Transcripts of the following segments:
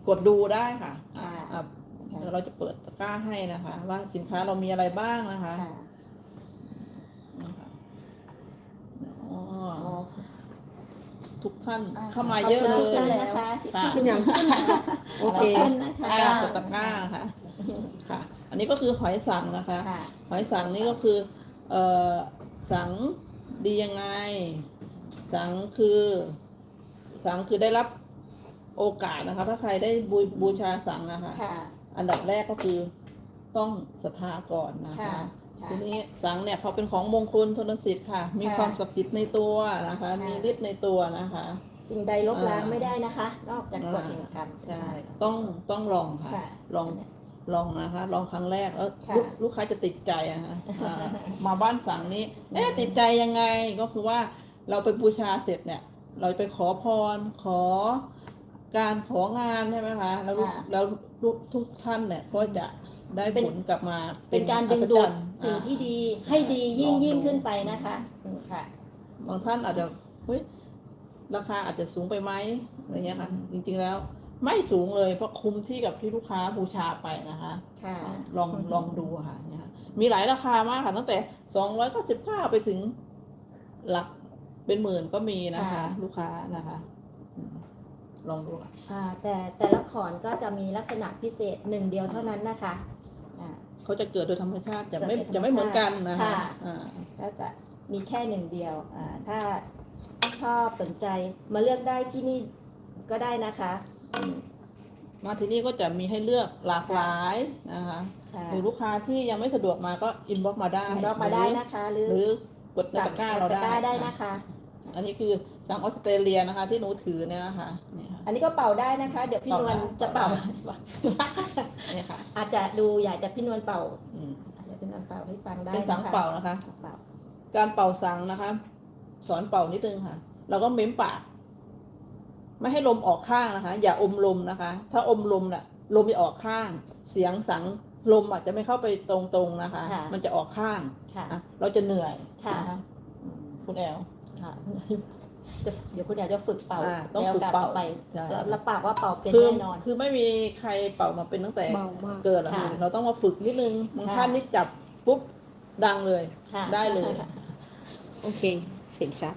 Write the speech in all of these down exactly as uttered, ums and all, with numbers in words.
กดดูได้ค่ะค่ะอ่ะเดี๋ยวเราจะเปิดตะกร้าให้นะคะ ว่าสินค้าเรามีอะไรบ้างนะคะค่ะนะคะอ๋ออ๋อทุกท่านอ่าเข้ามาเยอะเลยขอบคุณนะคะที่ค่ะขึ้นอย่างขึ้นนะคะโอเคขอบนะคะอ่ากดตะกร้าค่ะค่ะ อันนี้ก็คือหอยสังนะคะค่ะหอยสังนี่ก็คือเอ่อสังดียังไง สังคือสังคือได้รับโอกาสนะคะ ถ้าใครได้บูบูชาสังนะคะค่ะอันดับแรกก็คือต้องศรัทธาก่อนนะคะค่ะค่ะทีนี้สังเนี่ยพอเป็นของมงคลทนสิทธิ์ค่ะ มีค่ะความศักดิ์สิทธิ์ในตัวนะคะค่ะมีฤทธิ์ในตัวนะคะสิ่งใดลบล้างอ่าไม่ได้นะคะ นอกจากกฎแห่งกรรมใช่ ต้องต้องลองค่ะค่ะลองลองนะคะ ลองครั้งแรกแล้วค่ะลูกลูกค้าจะติดใจอะค่ะอ่ามาบ้านสังนี้เอ๊ะติดใจยังไงก็คือว่าเราไปบูชาเสร็จเนี่ย เราไปขอพรขอการของานใช่ไหมคะ แล้วลูกค่ะแล้วลูกทุกท่านเนี่ยก็จะได้เป็นผลกลับมาเป็นการดึงอัศดูจดรรย์สิ่งที่ดีอ่าให้ดียิ่งลอยิ่งดูขึ้นไปนะคะค่ะบางท่านอาจจะเฮ้ยราคาอาจจะสูงไปไหมอะไรเงี้ยค่ะ จริงๆแล้วไม่สูงเลยเพราะคุ้มที่กับที่ลูกค้าบูชาไปนะคะค่ะลองลองดูค่ะเนี่ยค่ะมีหลายราคามากค่ะตั้งแต่สองร้อยเก้าสิบเก้าไปถึงหลักเป็นหมื่นก็มีนะคะค่ะลูกค้านะคะอืมลองดูค่ะอ่าแต่แต่ละขอนก็จะมีลักษณะพิเศษหนึ่งเดียวเท่านั้นนะคะอ่าเขาจะเกิดโดยธรรมชาติจะไม่เกิดโดยธรรมชาติจะไม่เหมือนกันนะคะค่ะอ่าก็จะมีแค่หนึ่งเดียวอ่าถ้าชอบสนใจมาเลือกได้ที่นี่ก็ได้นะคะอืมมาที่นี่ก็จะมีให้เลือกหลากหลายนะคะค่ะหรือลูกค้าที่ยังไม่สะดวกมาก็อินบ็อกมาได้อินบ็อกซ์มาได้นะคะ หรือหรือกดในตะกร้าเราตะกร้าได้ได้นะคะอันนี้คือสังออสเตรเลียนะคะ ที่หนูถือเนี่ยนะคะนี่ค่ะอันนี้ก็เป่าได้นะคะ เดี๋ยวพี่นวลจะเป่านี่ค่ะอาจจะดูใหญ่แต่พี่นวลเป่าอืมเดี๋ยวพี่นวลเป่าให้ฟังได้เป็นสังะคะเป่านะคะเป่าการเป่าสังนะคะ สอนเป่านิดนึงค่ะ เราก็เม้มปาก ไม่ให้ลมออกข้างนะคะ อย่าอมลมนะคะ ถ้าอมลมน่ะลมจะออกข้าง เสียงสังลมอาจจะไม่เข้าไปตรงๆนะคะค่ะมันจะออกข้างค่ะอ่ะเราจะเหนื่อยค่ะนอืมคุณแอลค่ะจะเดี๋ยวคุณอยากจะฝึกเป่าอ่าต้องแล้วฝึกการเป่าต่อไปใช่แล้วรับปากว่าเป่าเป็นคือแน่นอนคือไม่มีใครเป่ามาเป็นตั้งแต่เบามากเกิดหรอกค่ะเราต้องมาฝึกนิดนึงบางค่ะท่านนี่จับปุ๊บดังเลยค่ะได้เลยโอเค เสียงชัด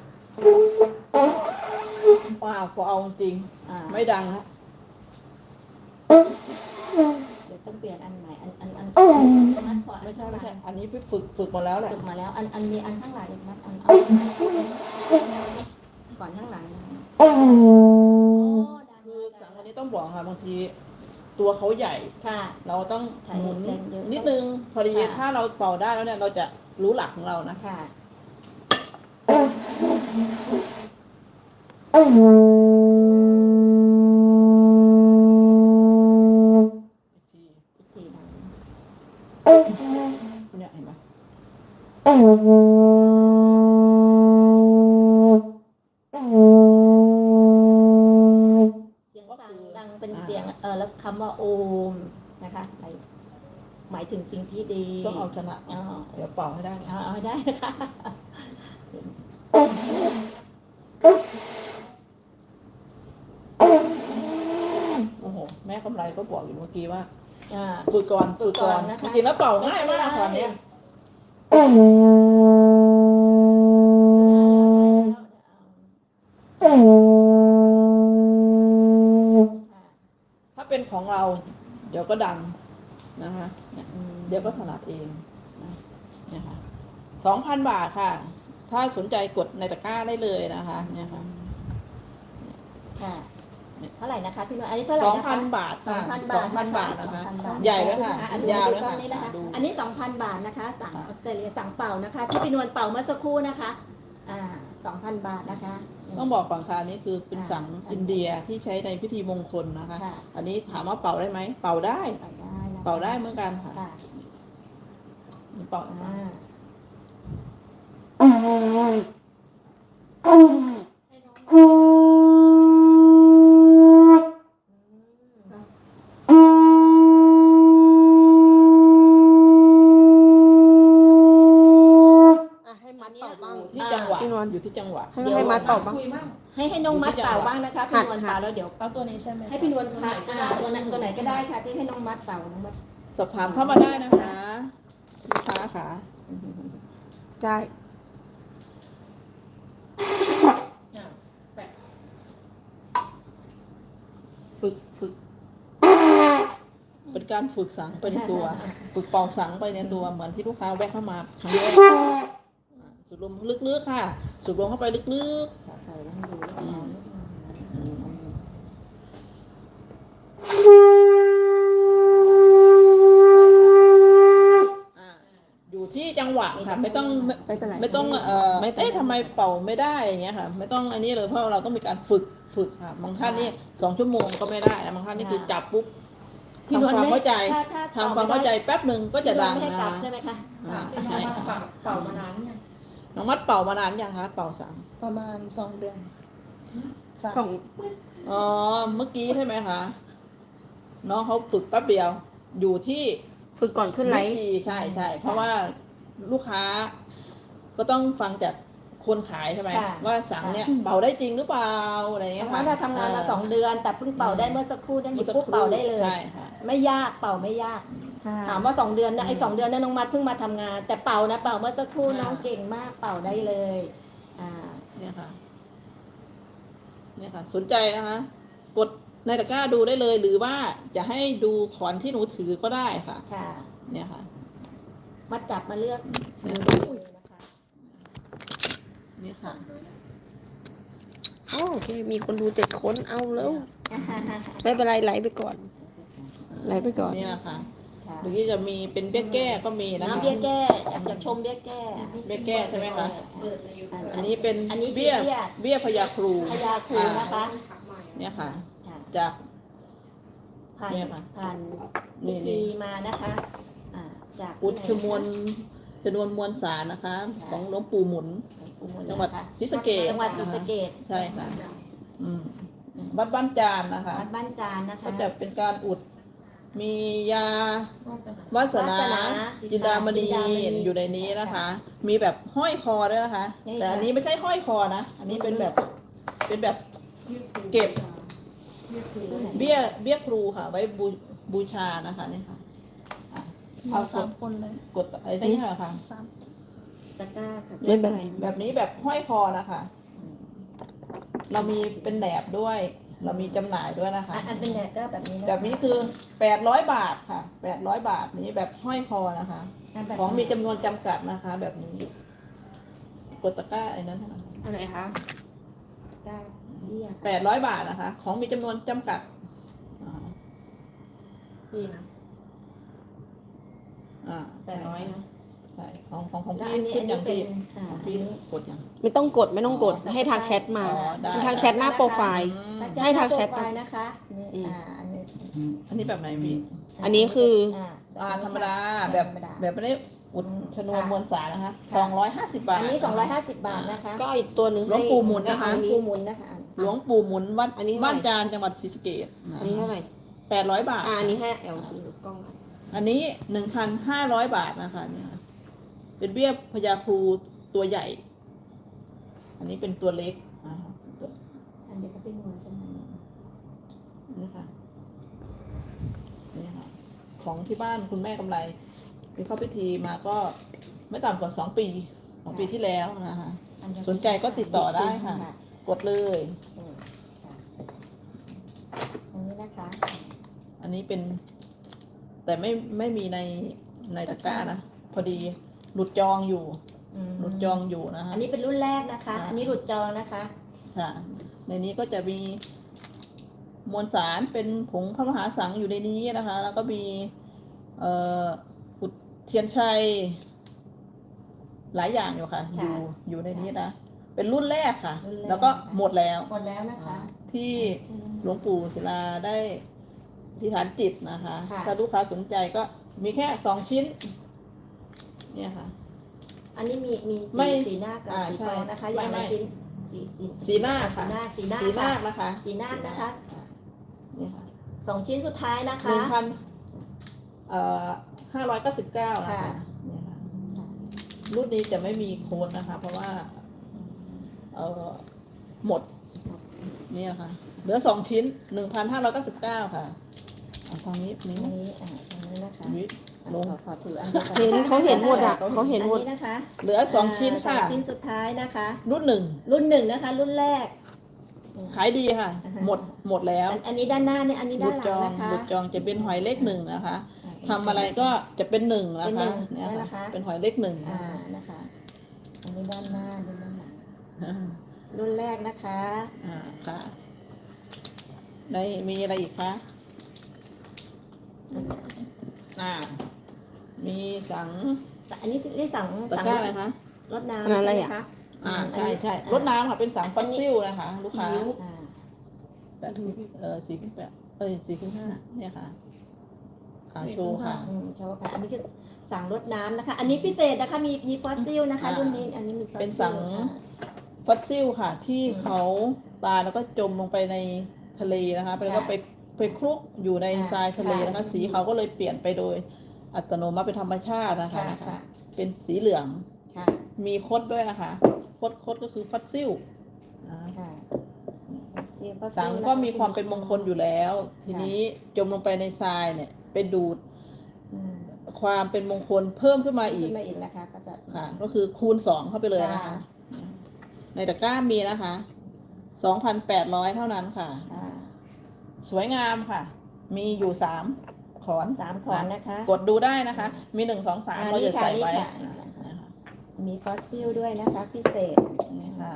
ว้าวพอเอาจริงอ่าไม่ดังฮะเดี๋ยวต้องเปลี่ยนอันใหม่อันอันอันอืมอันขวาไม่ใช่ไม่ใช่อันนี้พี่ฝึกฝึกมาแล้วแหละฝึกมาแล้ว อันอันมีอันข้างหลังอีกไหมอันเอาก่อนข้างหลังนะโอ้ดังคือดัสังงวันนี้ต้องบอกค่ะบางทีตัวเขาใหญ่ค่ะเราต้องใช้หมุนแรงเยอะนิดนึงพอดีค่ะถ้าเราเป่าได้แล้วเนี่ยเราจะรู้หลักของเรานะค่ะอีกทีอีกทีดังเนี่ยเห็นไหมเสียงสั่งดังเป็นเสียงเออแล้วคำว่าโอมนะคะหมายหมายถึงสิ่งที่ดีต้องเอาชนะอ๋อเดี๋ยวเป่าให้ได้เอาเอาได้นะคะโอ้โหแม่กำไรก็บอกอยู่เมื่อกี้ว่าอ่าฝึกก่อนฝึกก่อนฝึกก่อนนะคะจริงๆแล้วเป่าง่ายมากตอนเนี้ย ถ้าเป็นของเรา เดี๋ยวก็ดังนะคะเนี่ยเดี๋ยวก็ถนัดเองนะเนี่ยค่ะสองพันบาทค่ะ ถ้าสนใจกดในตะกร้าได้เลยนะคะเนี่ยค่ะค่ะเท่าไหร่นะคะพี่นวลอันนี้เท่าไหร่สองนะคะพันบาทสอค่ะงพันสบาอทงพันนะคะบาทนะคะสองพันบาทใหญ่ด้วยค่ะอ่ะดูยาวดูด้วยกล้อค่ะงนี้นะคะดูอันนี้สองพันบาทนะคะ สั่งออสเตรเลียสั่งเป่านะคะ ที่พี่นวลเป่าเมื่อสักครู่นะคะอ่าสองพันบาทนะคะต้องบอกก่อนค่ะอันนี้คือเป็นสังอ่าอินเดียที่ใช้ในพิธีมงคลนะคะค่ะอันนี้ถามว่าเป่าได้ไหมเป่าได้เป่าได้นะคะเป่าได้เหมือนกันค่ะค่ะนี่เป่าอ่าอ่ะให้มัดเป่าบ้างที่จังหวะพี่นวลอยู่ที่จังหวะให้ให้มัดเป่าบ้างคุยบ้างให้ให้น้องมัดเป่าบ้างนะคะพี่นวลหัดเป่าแล้วเดี๋ยวเอาตัวนี้ใช่ไหมให้พี่นวลพักอ่าตัวไหนตัวไหนก็ได้ค่ะที่ให้น้องมัดเป่าน้องมัดสอบถามเข้ามาได้นะคะลูกค้าค่ะได้อ่ะแปะฝึกฝึกเป็นการฝึกสังไปในตัว ฝึกเป่าสังไปในตัวเหมือนที่ลูกค้าแวะเข้ามาครั้งแรกอ่าสูดลมลึกๆค่ะ สูดลมเข้าไปลึกใส่ไว้ให้ดูแล้วเอานิดนึงๆอืมอ่าอยู่ที่จังหวะค่ะ ไม่ต้องไม่เป็นไรไม่ต้องเอ่อไม่เป็นไรเอ๊ะทำไมเป่าไม่ได้อย่างเงี้ยค่ะ ไม่ต้องอันนี้เลยเพราะเราต้องมีการฝึกฝึกค่ะบางท่านนี่สองชั่วโมงก็ไม่ได้นะบางท่านนี่คือจับปุ๊บพี่นวลทำความเข้าใจถ้าถ้าทำความเข้าใจแป๊บหนึ่งก็จะดังพี่นวลไม่ให้นะกลับคะใช่ไหมคะอ่าเป็นใช่น้องค่ะเป่าเป่ามานานเนี่ยน้องมัดเป่ามานานยังคะเป่าสังประมาณสองเดือนสามสองอ๋อเมื่อกี้ใช่ไหมคะน้องเขาฝึกแป๊บเดียว อยู่ที่ฝึกก่อนขึ้นไลวิฟ์ธีใช่ใช่เพราะว่าลูกค้า ก็ต้องฟังจากคนขายใช่ไหมค่ะว่าสังเนี่ยเป่าได้จริงหรือเปล่าอะไรอย่างเงี้น้ยองมัค่ะดอะทำงานมาสองเดือน แต่เพิ่งเป่าได้เมื่อสักครู่เนี่ยหยิบปุ๊บเป่าได้เลยใช่ค่ะไม่ยากเป่าไม่ยากค่ะถามว่าสองเดือนนะไอ้สองเดือนนั้นน้องมัดเพิ่งมาทำงาน แต่เป่านะเป่าเมื่อสักครู่อ่าน้องเก่งมากเป่าได้เลยอ่าเนี่ยค่ะ เนี่ยค่ะ สนใจนะคะ กดในตะกร้าดูได้เลย หรือว่าจะให้ดูขอนที่หนูถือก็ได้ค่ะค่ะเนี่ยค่ะมาจับมาเลือกเนี่ยดูนะคะนี่ค่ะโอเค มีคนดูเจ็ดคนเอาแล้ว ไม่เป็นไรไลฟ์ไปก่อน ไลฟ์ไปก่อนนี่นะคะค่ะหรือที่จะมีเป็นเบี้ยแก้ก็มีนะคะน้ำเบี้ยแก้อยากจะชมเบี้ยแก้เบี้ยแก้ใช่ไหมคะอันอันนี้เป็นอันนี้คือเบี้ยเบี้ยเบี้ยพยาครูพยาครูนะคะเนี่ยค่ะค่ะจากผ่านเนี่ยค่ะผ่านนี่พินี่ธีมานะคะอ่าจากอุดชที่มวลไหนชนวนมวลสารนะคะ ของหลวงปู่หมุนคะจังหวัดนะคะศรีสะเกษจังหวัดศรีสะเกษใช่ค่ะ อืมวัดบ้านจานนะคะวัดบ้านจานนะคะก็จะเป็นการอุด มียาวาสนาวาสนาวาสนาจินดามณีจินดามณีอยู่ในนี้นะคะ มีแบบห้อยคอด้วยนะคะนี่แต่อันค่ะนี้ไม่ใช่ห้อยคอนะ อันนี้เป็นแบบ เป็นแบบ เก็บ เบี้ย เบี้ยครูค่ะ ไว้บูบูชานะคะนี่ค่ะอ่ะเอาสามคนเลยกดอะไรได้ค่ะค่ะสามตะกร้าค่ะไม่เป็นไรแบบนี้แบบห้อยคอนะคะ เรามีเป็นแหนบด้วย เรามีจำหน่ายด้วยนะคะอ่ะอันเป็นแหนบก็แบบนี้ะคะแบบนี้คือแปดร้อยบาทค่ะแปดร้อยบาทนี้แบบห้อยคอนะคะนแบบของมีจำนวนจำกัดนะคะ แบบนี้ กดตะกร้าไอ้นั้นค่ะอะไรคะตะกร้าเบี้ยแปดร้อยบาทนะคะ ของมีจำนวนจำกัดอ่านี่นะอ่าแปดร้อยนะใช่ของของของแล้วพี่อันนี้ขึ้อันนอย่านี้งเป็พี่นอ่าของอันพี่นี้กดอย่างไม่ต้องกดไม่ต้องกดอ๋อให้ทักแชทมาอ๋อได้ทักแชทหน้าโปรไฟล์อืมถ้าให้ทางแชทโปรไฟล์นะคะนี่อืมอ่าอันนี้อันนี้แบบไหนพี่อันนี้คืออ่าอ่าธรรมดาค่ะแบบธรรมดาแบบไม่ได้อุดชนวนค่ะมวลสารนะคะค่ะสองร้อยห้าสิบบาทอันนี้สองร้อยห้าสิบบาทนะคะก็อีกตัวหนึ่งหลวงปู่หมุนนะคะให้ปูหมุนนะคะหลวงปู่หมุนวัดอันนี้เท่าไหร่บ้านจานจังหวัดศรีสะเกษอันนี้เท่าไหร่แปดร้อยบาทอ่าอันนี้ให้แอลถือกล้องค่ะอันนี้หนึ่งพันห้าร้อยบาทนะคะเนี่ยค่ะเป็นเบี้ยพญาครูตัวใหญ่ อันนี้เป็นตัวเล็กอ่าตัวอันนี้ก็เป็นนวลใช่ไหมนี่ค่ะนี่ค่ะ ของที่บ้านคุณแม่กำไรไปเข้าพิธีมาก็ไม่ต่ำกว่าสองปีของปีที่แล้วนะคะอัเดียวสนใจก็ติดต่อได้ค่ะ กดเลยอืมค่ะอันนี้นะคะอันนี้เป็น แต่ไม่ไม่มีในในตะกร้านะพอดีหลุดจองอยู่อืมหลุดจองอยู่นะคะอันนี้เป็นรุ่นแรกนะคะค่ะอันนี้หลุดจองนะคะค่ะ ในนี้ก็จะมีมวลสารเป็นผงพระมหาสังอยู่ในนี้นะคะ แล้วก็มีเอ่ออุดเทียนชัย หลายอย่างอยู่ค่ะค่ะอยู่อยู่ในนี้นะเป็นรุ่นแรกค่ะรุ่นแรกแล้วก็หมดแล้วหมดแล้วนะคะที่หลวงปู่ศิลาได้ที่ฐานจิตนะคะค่ะถ้าลูกค้าสนใจก็มีแค่สองชิ้น เนี่ยค่ะอันนี้มีมีไม่สีสีหน้ากับอ่าสีใช่ทองนะคะ อย่างไม่ละไม่ชิ้นสีสีสีหน้าค่ะสีหน้าสีหน้าสีนาค่ะคนะคะสีนาคนะคะนี่ค่ะสองชิ้นสุดท้ายนะหคะนึ่งพันเอ่อห้าร้อยเก้าสิบเก้านะคะค่ะเนี่ยค่ะรุ่นนี้จะไม่มีโค้ดนะคะ เพราะว่าเออหมดเนี่ยค่ะเหลือสองชิ้นหนึ่งพันห้าร้อยเก้าสิบเก้าค่ะเอาทางนี้นิ้วอันนี้อ่าอันนี้นะคะนิ้วอ่ะลงขอขอถืออันนี้ก่อนเห็นเขาเห็นหมดอ่ะเขาเห็นหมดอันนี้นะคะเหลือสองชิ้นค่ะสองชิ้นสุดท้ายนะคะรุ่นหนึ่งรุ่นหนึ่งนะคะ รุ่นแรกขายดีค่ะอ่าฮะหมดหมดแล้วอันอันนี้ด้านหน้าเนี่ยอันนี้บุด้านดหลัจงองนะคะบุดจองจะเป็นหอยเลขหนึ่งนะคะอ่าทำอะไรก็จะเป็นหนึ่งนะเป็นหนึ่คะงเนี่ยนั่นนะค่ะคะเป็นหอยเลขหนึ่งอ่านะคะ อันนี้ด้านหน้าด้านหลังอ่ารุ่นแรกนะคะอ่าค่ะในมีอะไรอีกคะอ่า มีสังอันนี้ที่สั่งตะสั่งกร้าอะไรคะรดอันนั้นน้ำอะไรใช่ไหมอ่ะคะอ่าอืมใช่ใช่อันนี้รถน้ำค่ะเป็นสังฟอสซิลนะคะ ลูกค้าอ่าแปดเออสี่ขึ้นแปดเอ้ยสี่ขึ้นห้าเนี่ยค่ะขาโชว์ค่ะอืมโชว์ค่ะอันนี้คือสั่งรดน้ำนะคะ อันนี้พิเศษนะคะมีมีฟอสซิลนะคะอ่ารุ่นนี้อันนี้มีฟอสซิลเป็นสังอ่าฟอสซิลค่ะ ที่เขาตายแล้วก็จมลงไปในทะเลนะคะไปแล้วก็ค่ะไปไปคลุกอยู่ในอ่าทรายทะเลนะคะค่ะสีเขาก็เลยเปลี่ยนไปโดยอัตโนมัติเป็นธรรมชาตินะคะค่ะค่ะเป็นสีเหลืองค่ะมีคดด้วยนะคะ คดคดก็คือฟอสซิลนะค่ะฟอสซิลฟอสซิลสังก็มีความเป็นมงคลอยู่แล้ว ทีนี้จมลงไปในทรายเนี่ยไปดูดอืมความเป็นมงคลเพิ่มขึ้นมาอีขึ้กนมาอีกนะคะก็จะค่ะ ก็คือคูณสองเข้าไปเลยนะคะค่ะในตะกร้ามีนะคะสองพันแปดร้อยเท่านั้นค่ะค่ะสวยงามค่ะ มีอยู่สามขอนสามขอนนะคะกดดูได้นะคะ มีหนึ่งสองสามอ่าเราจะนี่ค่ะใส่ไว้นี่ค่ะนะคะมีฟอสซิลด้วยนะคะ พิเศษนี่ค่ะ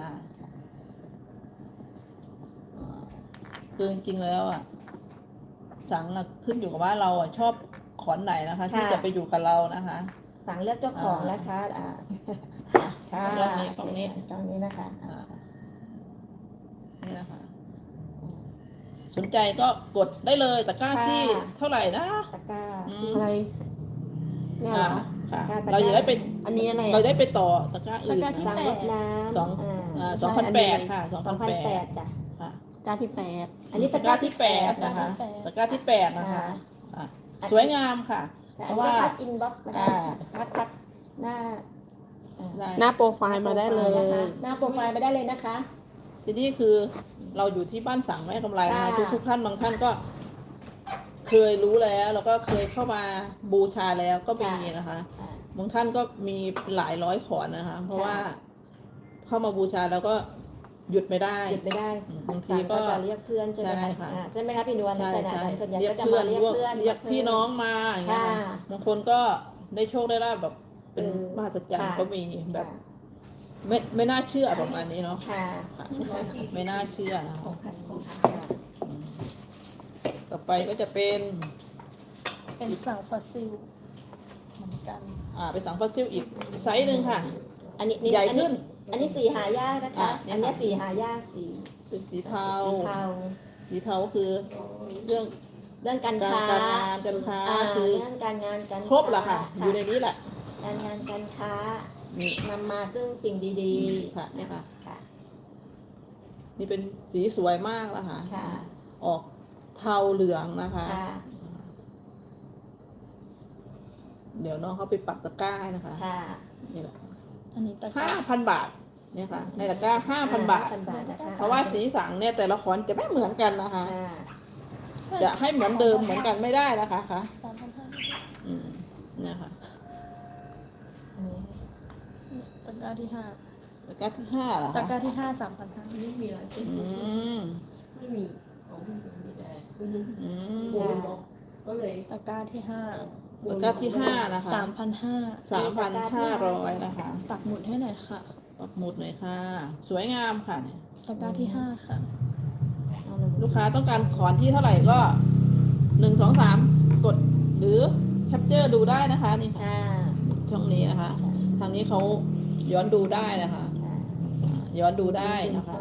คือจริงๆแล้วอ่ะ สังอะขึ้นอยู่กับว่าเราอ่ะชอบขอนไหนนะคะ ที่จะไปอยู่กับเรานะคะสั่งเลือกเจ้าของนะคะอ่าค่ะเรื่องนี้ตรงนี้ตรงนี้นะคะอ่านี่นะคะ สนใจก็กดได้เลยตะกร้าที่เท่าไหร่นะตะกร้าอืมอะไรเนี่ยเหรอค่ะค่ะตะกร้าเราจะได้ไปอันนี้อะไรเราอ่ะได้ไปต่อตะกร้าอื่นตะกร้าที่นะสั่งรดน้ำสองอ่าสองพันแปดค่ะสองสพัอน งพันแปแปดดจ้ะค่ะกาที่แปดอันนี้ตะตะกกร้าร้าที่ที่แปแปดดนะนะคะ คะตะกร้าที่แปดนะคะค่ะอ่ะสวยงามค่ะแต่เพอันราะนี้ว่าก็ทักอินบ็อกซ์มาได้อ่าทักทักหน้าอ่าได้หน้าโปรไฟล์มาได้เลนะคะยหน้าโปรไฟล์มาได้เลยนะคะทีนี้คือเราอยู่ที่บ้านสังแม่กำไรนะคะค่ะทุกทุกๆท่านบางท่านก็ เคยรู้แล้วแล้วก็เคยเข้ามาบูชาแล้วก็มีนะคะอ่าบางท่านก็มีหลายร้อยขอนนะคะ เพราะค่ะว่าเข้ามาบูชาแล้วก็หยุดไม่ได้หยุดไม่ได้บางทีสั่งก็ก็จะเรียกเพื่อนใช่ไหมใช่คะค่ะอ่าใช่ไหมคะพี่นวลใช่ลักษณะใช่นั้นส่วนใหญ่เรียก็กจะเพื่อมาน เรียกพวกเพื่อนเรียกพี่น้องมาอย่างเงี้ยค่ะบางคนก็ได้โชคได้ลาบแบบเป็นเออมหัศจรรย์ค่ะก็มีแบบ ไม่ไม่น่าเชื่อประมาณนี้เนาะค่ะค่ะไม่น่าเชื่อนะคะค่ะต่อไปก็จะเป็นเป็นสังฟอสซิลเหมือนกันอ่าเป็นสังฟอสซิลอีกไซส์หนึ่งค่ะอันนี้นี่ใหญ่อันนี้ขึ้นอันนี้สีหายากนะคะอ่ะเนี่ยอันนี้ค่ะสีหายากสีเป็นสีเทาสีเทาสีเทาก็คือเรื่องเรื่องการการค้าการงานการค้าอ่าคือเรื่องการงานการครบแหละค่ะค้าอยู่ในนี้แหละการงานการค้านี่นำมาซึ่งสิ่งดีค่ะเนี่ยค่ะๆค่ะนี่เป็นสีสวยมากแล้วค่ะค่ะออกเทาเหลืองนะคะค่ะเดี๋ยวน้องเขาไปปักตะกร้าให้นะคะค่ะนี่แหละอันนี้ตะกห้าร้าพันบาทเนี่ยค่ะ ในตะกร้าห้าพันบาทห้าพันบาทนะคะเพราะว่าสีสังเนี่ยแต่ละขอนจะไม่เหมือนกันนะคะค่ะจะให้เหมือนเดิมเหมือนกันไม่ได้นะคะค่ะสามพันห้าอืมเนี่ยค่ะอันนี้ตะกร้าที่ห้าตะกร้าที่ห้าเหรอตะคะกร้าที่ห้าสามพันห้าไม่มีอะไรอืมไม่มีของไม่มีมีแต่ไม่รู้อืมโบนบอกก็เลยตะกร้าที่ห้าตะกร้าที่ห้านะคะสามพันห้าสามพันห้าร้อยนะคะปักหมุดให้หน่อยค่ะปักหมุดหน่อยค่ะ สวยงามค่ะตะกร้าที่ห้าค่ะเอาหนึ่งลูกค้าต้องการขอนที่เท่าไหร่ก็หนึ่งสองสามกดหรือแคปเจอร์ดูได้นะคะนี่ค่ะค่ะช่องนี้นะคะ ทางนี้เขาย้อนดูได้นะคะค่ะย้อนดูได้นะคะ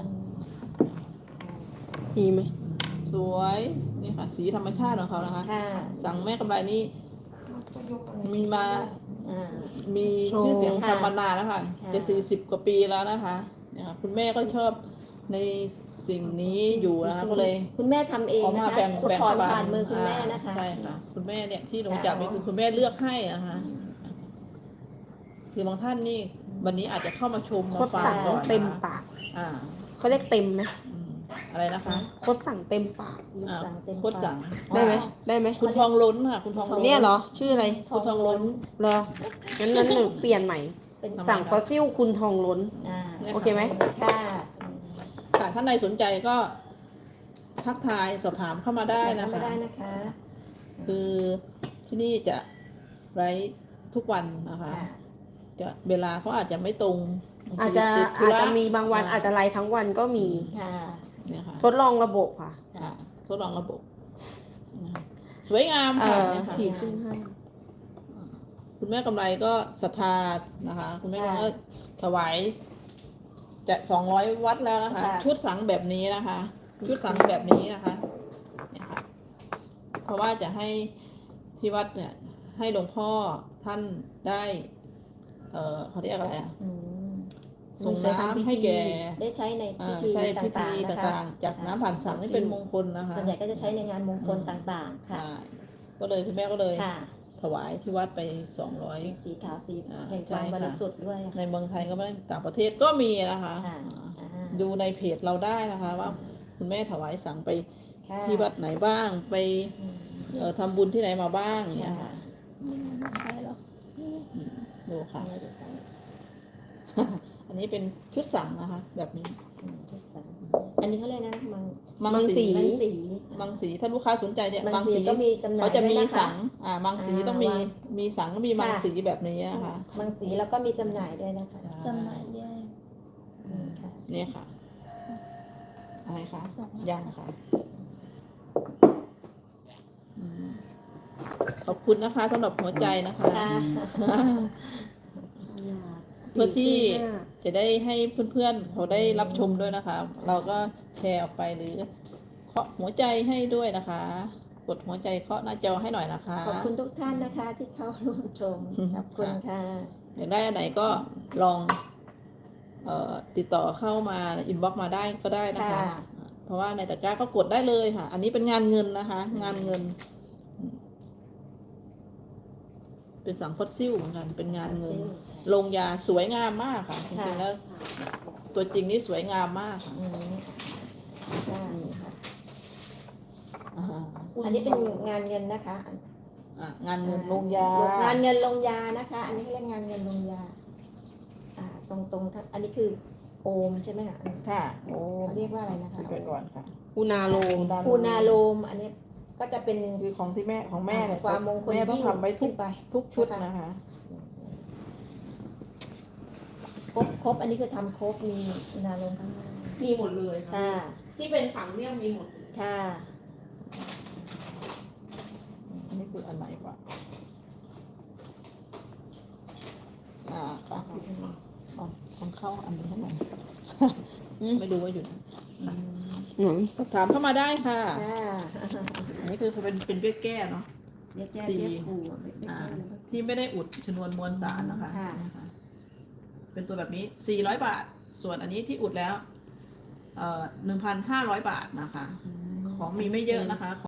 ดีไหมสวยนี่ค่ะ สีธรรมชาติของเขานะคะค่ะสั่งแม่กำไรนี่มีมาอ่ามีชื่อเสียงค่ะทำมานานแล้วค่ะค่ะจะสี่สิบกว่าปีแล้วนะคะเนี่ยค่ะคุณแม่ก็ชอบในสิ่งนี้อยู่นะคะก็เลยคุณแม่ทำเองออกนะมาคะแบ่งคุณแบ่งถอนปัผ่านมือคุณแม่นะคะใช่ค่ะ คุณแม่เนี่ยที่หนูค่ะจับนี่คือคุณแม่เลือกให้นะคะคือบางท่านนี่วันนี้อาจจะเข้ามาชมโคมาตรฟังสั่งก่อนเต็มนะคะปากอ่าเขาเรียกเต็มไหมอืมอะไรนะคะคดสั่งเต็มปากอ่าสั่งเต็มโคตรสั่งได้ไหมได้ไหมคุณทองล้นค่ะ คุณทองล้นเนี่ยเหรอ ชื่ออะไรคุณทองล้นเหรองั้นนั้นหนูเปลี่ยนใหม่เป็นทำไมสั่งฟอสซิลคุณทองล้นอ่าโอเคไหมค่ะค่ะท่านใดสนใจก็ทักทายสอบถามเข้ามาได้นะไม่คะได้นะคะคือที่นี่จะไลฟ์ทุกวันนะคะค่ะจะเวลาเขาอาจจะไม่ตรงอาจจะติดธุอาจรจะมีบางวันอาจจะไลฟ์ทั้งวันก็มีค่ะเนี่ยค่ะทดลองระบบค่ะค่ะทดลองระบบนะคะสวยงามเอค่ะอเนี่ยค่ะสี่ครึ่งห้าคุณแม่กำไรก็ศรัทธานะคะ คุณแม่ค่ะก็ถวายจะสองร้อยวัดแล้วนะคะค่ะชุดสังแบบนี้นะคะ ชุดสังแบบนี้นะคะเนี่ยค่ะเพราะว่าจะให้ที่วัดเนี่ย ให้หลวงพ่อท่านได้ เออเขาเรียกอะไรอะอืมส่งน้ำให้แก่ได้ใช้ในอ่าพิธีใช่พิต่าธีงๆนะคะต่างๆ จากน้ำผ่านสังนี่เป็นมงคลนะคะส่วนใหญ่ก็จะใช้ในงานมงคลต่างๆ ค่ะใช่ก็เลยคุณแม่ก็เลยค่ะถวายที่วัดไปสองร้อยสีขาวสีอ่าแห่งใช่ความค่ะบริสุทธิ์ด้วยในเมืองไทยก็ไม่ได้ต่างประเทศก็มีนะคะค่ะอ่าอ่าดูในเพจเราได้นะคะ ว่าคุณแม่ถวายสังไปค่ะที่วัดไหนบ้างไปอืมเอ่อทำบุญที่ไหนมาบ้างเนี่ยค่ะค่ะใช่เหรออืมดูค่ะเอาไว้ดูกันอันนี้เป็นชุดสังนะคะ แบบนี้อืมที่สามอันนี้เขาเรียกนะมังมังมังสีสีมังสีมังสีถ้าลูกค้าสนใจเนี่ยมัมังงสีสีก็มีจำหน่ายเขาจะมีด้วยนะคะสังอ่ามังสีอ่าต้องมีวางมีสังก็มีมังค่ะสีแบบนี้นะคะมังสีแล้วก็มีจำหน่ายด้วยนะคะจำหน่ายแยกอืมค่ะเนี่ยค่ะ อะไรคะสองยังค่ะอืมขอบคุณนะคะสำหรับหัวใจนะคะค่ะเพื่อที่สี่ครึ่งห้าจะได้ให้เพื่อนๆเขาได้รับชมด้วยนะคะ เราก็แชร์ออกไปหรือเคาะหัวใจให้ด้วยนะคะ กดหัวใจเคาะหน้าจอให้หน่อยนะคะขอบคุณทุกท่านนะคะที่เข้าร่วมชม ขอบคุณค่ะอยากได้อันไหนก็ลอง เอ่อติดต่อเข้ามาอินบ็อกมาได้ก็ได้นะคะค่ะเพราะว่าในตะกร้าก็กดได้เลยค่ะ อันนี้เป็นงานเงินนะคะ งานเงิน เป็นสังฟอสซิลเหมือนกัน เป็นงานเงิน ลงยาสวยงามมากค่ะจริงๆแล้ว ตัวจริงนี่สวยงามมากค่ะอืมค่ะค่ะอ่าอันนี้เป็นงานเงินนะคะอ่ะงานเงินลงยางานเงินลงยานะคะ อันนี้เขาเรียกงานเงินลงยา อ่า ตรงตรงๆอันนี้คือโอมใช่ไหมคะอันค่ะ โอ้เขาเรียกว่าอะไรนะคะไปก่อนค่ะอุณาโลมปูนาโลม อันนี้ก็จะเป็นคือของที่แม่ของแม่เนี่ยความมงคลแม่ต้องยิ่งทำไว้ทุขึ้กนไปทุกชุดนะคะครบครบอันนี้คือทำครบมีปูนาโลมมีหมดเลยค่ะค่ะที่เป็นสังเนี่ยมีหมดค่ะอันนี้คืออันไหนวะอ่าค่ะเอาของเข้าอันนี้ให้หน่อย ไม่รู้ว่าอยู่ไหนหนังสอบถามเข้ามาได้ค่ะค่ะอันนี้คือเป็นเป็นเบี้ยแก้เนาะเรียกแก้สี่เรียกปูเรียกแก้อ่าเรียกที่ไม่ได้อุดชนวนมวลสารนะคะค่ะนะคะ เป็นตัวแบบนี้สี่ร้อยบาท ส่วนอันนี้ที่อุดแล้ว เอ่อหนึ่งพันห้าร้อยบาทนะคะ ของมีไม่เยอะนะคะ